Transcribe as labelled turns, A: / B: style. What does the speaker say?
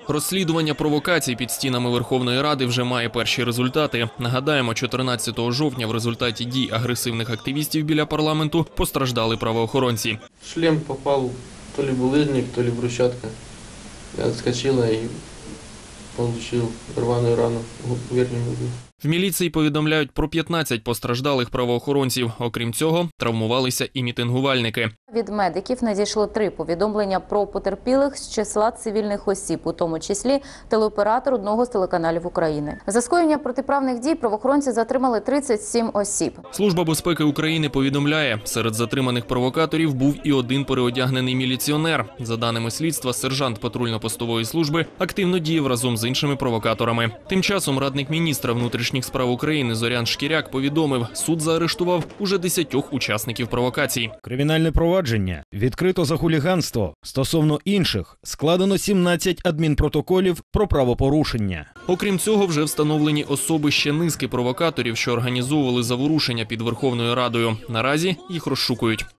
A: Розслідування провокацій під стінами Верховної Ради вже має перші результати. Нагадаємо, 14 жовтня в результаті дій агресивних активістів біля парламенту постраждали правоохоронці.
B: Шлем попав то ли булыжник, то ли брусчатка. Я отскочила и получил рваную рану в верхнем углу.
A: В міліції повідомляють про 15 постраждалих правоохоронців. Окрім цього, травмувалися і мітингувальники.
C: Від медиків надійшло 3 повідомлення про потерпілих з числа цивільних осіб, у тому числі телеоператор одного з телеканалів України. За скоєння протиправних дій правоохоронці затримали 37 осіб.
A: Служба безпеки України повідомляє, серед затриманих провокаторів був і один переодягнений міліціонер. За даними слідства, сержант патрульно-постової служби активно діяв разом з іншими провокаторами. Тим часом радник міністра внутрішніх справ України Зорян Шкіряк повідомив, суд заарештував уже 10 учасників провокацій.
D: Кримінальне провадження відкрито за хуліганство. Стосовно інших складено 17 адмінпротоколів про правопорушення.
A: Окрім цього, вже встановлені особи ще низки провокаторів, що організовували заворушення під Верховною Радою. Наразі їх розшукують.